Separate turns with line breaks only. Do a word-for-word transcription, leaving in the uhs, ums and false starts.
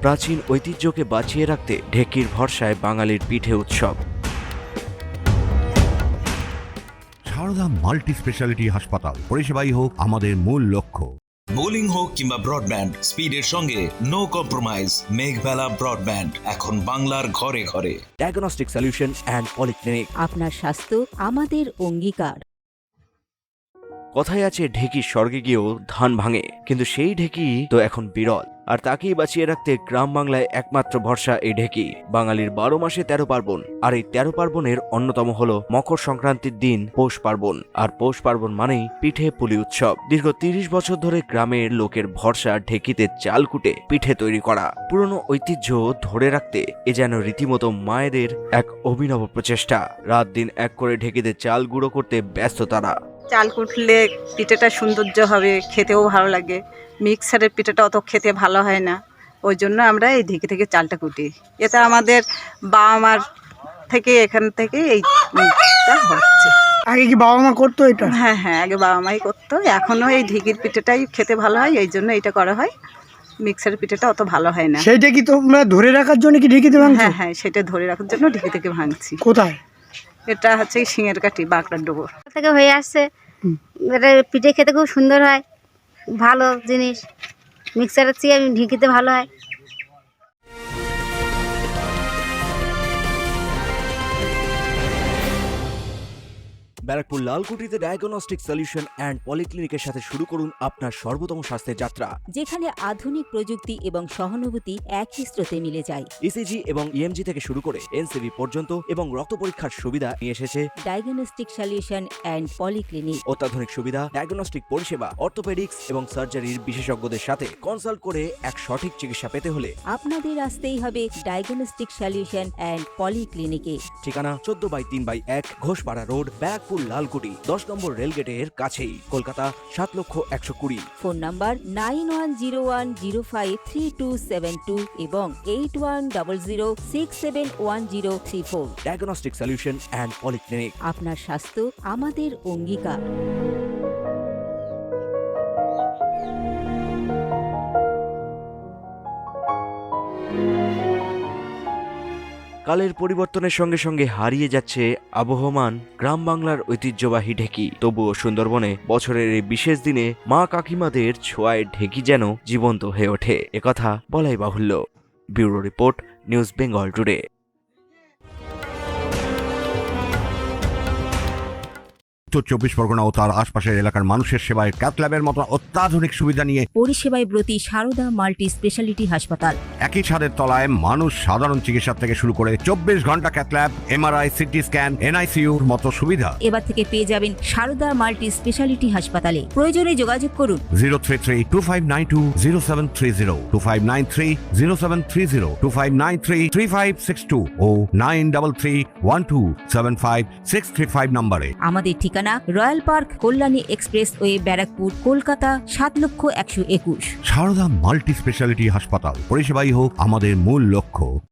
প্রাচীন ঐতিহ্যকে বাঁচিয়ে রাখতে ঢেকির ভরসায় বাঙালির পিঠে উৎসব।
সারদা মাল্টি স্পেশালিটি হাসপাতাল, পরিষেবাই হোক আমাদের মূল লক্ষ্য।
বোলিং হোক কিংবা ব্রডব্যান্ড, স্পিডের সঙ্গে নো কম্প্রোমাইজ। মেঘবেলা ব্রডব্যান্ড এখন বাংলার ঘরে ঘরে।
Diagnostic solution and polyclinic.
আপনার স্বাস্থ্য আমাদের অঙ্গীকার।
কথায় আছে ঢেকি স্বর্গে গিয়েও ধান ভাঙে, কিন্তু সেই ঢেকি তো এখন বিরল। আর তাকেই বাঁচিয়ে রাখতে গ্রাম বাংলায় একমাত্র ভরসা এই ঢেকি। বাঙালির বারো মাসে তেরো পার্বণ, আর এই তেরো পার্বণের অন্যতম হলো মকর সংক্রান্তির দিন পৌষ পার্বণ। আর পৌষ পার্বণ মানেই পিঠে পুলি উৎসব। দীর্ঘ তিরিশ বছর ধরে গ্রামের লোকের ভরসা ঢেকিতে চাল কুটে পিঠে তৈরি করা। পুরনো ঐতিহ্য ধরে রাখতে এ যেন রীতিমতো মায়েদের এক অভিনব প্রচেষ্টা। রাত দিন এক করে ঢেকিতে চাল গুঁড়ো করতে ব্যস্ত তারা।
চাল কুটলে পিঠেটা সৌন্দর্য হবে, খেতেও ভালো লাগে। মিক্সারের পিঠেটা অত খেতে ভালো হয় না, ওই জন্য আমরা এই ঢেকি থেকে চালটা কুটি। এটা আমাদের বাবা মার থেকে এখান থেকে এইটা হচ্ছে।
আগে কি বাবা মা করতো এটা?
হ্যাঁ হ্যাঁ, আগে বাবা মাই করতো। এখনও এই ঢেকির পিঠেটাই খেতে ভালো হয়, এই জন্য এটা করা হয়। মিক্সারের পিঠেটা অত ভালো হয় না।
সেইটা কি তোমরা ধরে রাখার জন্য কি ঢেকিতে ভাঙছো?
হ্যাঁ হ্যাঁ, সেটা ধরে রাখার জন্য ঢেকি থেকে ভাঙছি।
কোথায়?
এটা হচ্ছে সিঙের কাঠি, বাঁকড়ার ডোবর
থেকে হয়ে আসছে। এটা পিঠে খেতে খুব সুন্দর হয়, ভালো জিনিস। মিক্সারের চেয়ে ঢেকিতে ভালো হয়।
ব্যারাকপুর লালকুটিতে ডায়াগনস্টিক সলিউশন অ্যান্ড পলিক্লিনিকের সাথে শুরু করুন আপনার সর্বোত্তম স্বাস্থ্যের যাত্রা,
যেখানে আধুনিক প্রযুক্তি এবং সহানুভূতি একই স্রোতে মিলে যায়।
ইসিজি এবং ইএমজি থেকে শুরু করে এনসিবি পর্যন্ত এবং রক্ত পরীক্ষার সুবিধা নিয়ে এসেছে
ডায়াগনস্টিক সলিউশন অ্যান্ড পলিক্লিনিক।
অত্যাধুনিক সুবিধা, ডায়াগনস্টিক পরিষেবা, অর্থোপেডিক্স এবং সার্জারির বিশেষজ্ঞদের সাথে কনসাল্ট করে এক সঠিক চিকিৎসা পেতে হলে
আপনাদের আসতেই হবে ডায়াগনস্টিক সলিউশন অ্যান্ড পলিক্লিনিকে।
ঠিকানা চোদ্দ বাই তিন বাই এক ঘোষপাড়া রোড, ব্যারাকপুর লালকুটি, দশ নম্বর রেলগেটের কাছেই, কলকাতা সাত লক্ষ একশো কুড়ি।
Phone number nine one zero one zero five three two seven two এবং eight one double zero six seven one zero three four.
Diagnostic solution and polyclinic.
আপনার স্বাস্থ্য আমাদের অঙ্গীকার।
কালের পরিবর্তনের সঙ্গে সঙ্গে হারিয়ে যাচ্ছে আবহমান গ্রাম বাংলার ঐতিহ্যবাহী ঢেকি। তবুও সুন্দরবনে বছরের এই বিশেষ দিনে মা কাকিমাদের ছোঁয়ায় ঢেকি যেন জীবন্ত হয়ে ওঠে, একথা বলাই বাহুল্য। Bureau report, news Bengal today.
উত্তর চব্বিশ পরগনা ও তার আশপাশের এলাকার মানুষের সেবায় ক্যাথল্যাবের মতো অত্যাধুনিক সুবিধা নিয়ে
পরিষেবায় ব্রতী সারদা মাল্টি স্পেশালিটি হাসপাতাল।
একই ছাদের তলায় মানুষ সাধারণ চিকিৎসা থেকে শুরু করে চব্বিশ ঘন্টা ক্যাথল্যাব, এমআরআই, সিটি স্ক্যান, এনআইসিইউর মতো সুবিধা
এবার থেকে পেয়ে যাবেন সারদা মাল্টি স্পেশালিটি হাসপাতালে। প্রয়োজনে যোগাযোগ করুন
zero three three two five nine two zero seven three zero two five nine three zero seven three zero two five nine three three five six two o nine double three one two seven five six three five নম্বরে।
আমাদের ঠিকানা Royal Park, Kalyani Expressway, Barrackpore, Kolkata সাত লক্ষ একশো একুশ।
Sarada multi speciality হাসপাতাল, পরিষেবাই হোক আমাদের মূল লক্ষ্য।